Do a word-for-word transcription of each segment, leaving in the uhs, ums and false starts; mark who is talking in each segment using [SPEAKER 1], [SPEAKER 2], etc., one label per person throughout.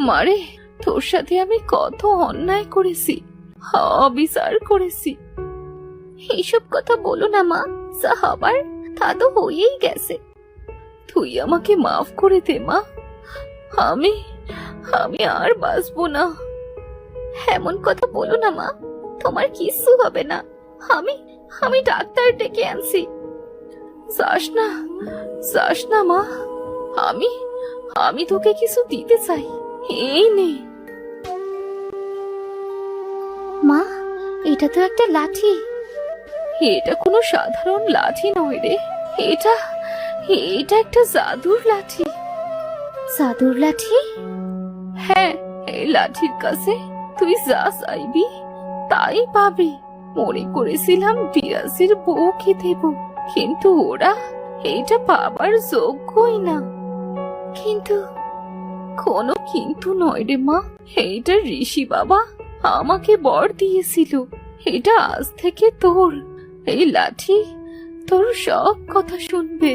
[SPEAKER 1] মারে, তোর সাথে আমি কত অন্যায় করেছি, অবিচার করেছি। এইসব কথা বলো না মা, যা হবার তা তো হয়েই গেছে। তুই আমাকে মাফ করে দে মা, আমি আমি আর বাঁচবো না। এমন কথা বলো না মা, তোমার কিচ্ছু হবে না। আমি আমি ডাক্তার ডেকে আনছি। যাস না, যাস না মা, আমি আমি তোকে কিছু দিতে চাই, এই নে।
[SPEAKER 2] মা, এটা তো একটা লাঠি।
[SPEAKER 1] এটা কোনো সাধারণ লাঠি নয় রে, এটা এটা একটা জাদুর লাঠি।
[SPEAKER 2] জাদুর লাঠি?
[SPEAKER 1] হ্যাঁ, এই লাঠির কাছে তুই যা চাইবি তাই পাবি। মনে করেছিলাম বিরাজের বউকে দেব, কিন্তু ওরা এটা পাবার যোগ্যই না।
[SPEAKER 2] কিন্তু
[SPEAKER 1] কোনো কিন্তু নয় রে মা, এইটা ঋষি বাবা আমাকে বর দিয়েছিল। এটা আজ থেকে তোর। এই লাঠি তোর সব কথা শুনবে।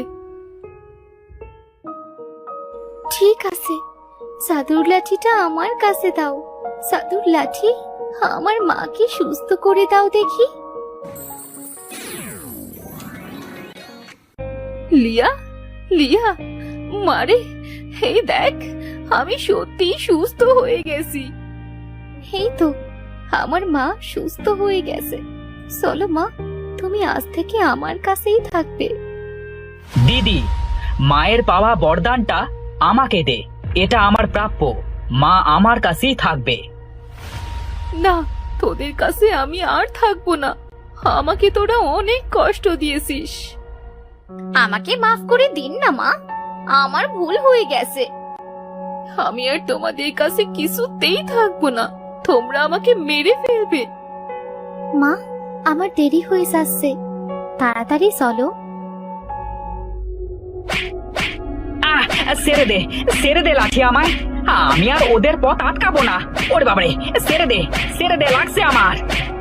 [SPEAKER 2] ঠিক আছে, জাদুর লাঠিটা আমার কাছে দাও। জাদুর লাঠি, আমার মাকে সুস্থ করে দাও দেখি।
[SPEAKER 1] লিয়া, লিয়া, মারে, এই দেখ, আমি সত্যি সুস্থ হয়ে গেছি।
[SPEAKER 2] এই তো, আমার মা সুস্থ হয়ে গেছে। চলো মা, তুমি আজ থেকে আমার কাছেই থাকবে।
[SPEAKER 3] দিদি, মায়ের পাওয়া বরদানটা আমাকে দে, এটা আমার প্রাপ্য। মা আমার কাছেই থাকবে।
[SPEAKER 1] না, তোদের কাছে আমি আর থাকবো না। আমাকে তোরা অনেক কষ্ট দিয়েছিস।
[SPEAKER 2] আমাকে মাফ করে দিন না মা, আমার ভুল হয়ে গেছে।
[SPEAKER 1] আমি আর তোমাদের কাছে কিছুতেই থাকবো না, তোমরা আমাকে মেরে ফেলবে।
[SPEAKER 2] মা, আমার দেরি হয়ে যাচ্ছে, তাড়াতাড়ি চলো।
[SPEAKER 3] আহ, ছেড়ে দে, ছেড়ে দে লাঠি আমায়। আমি আর ওদের পথ আটকাবো না। ওরে বাবারে, ছেড়ে দে, ছেড়ে দে, লাগছে আমার।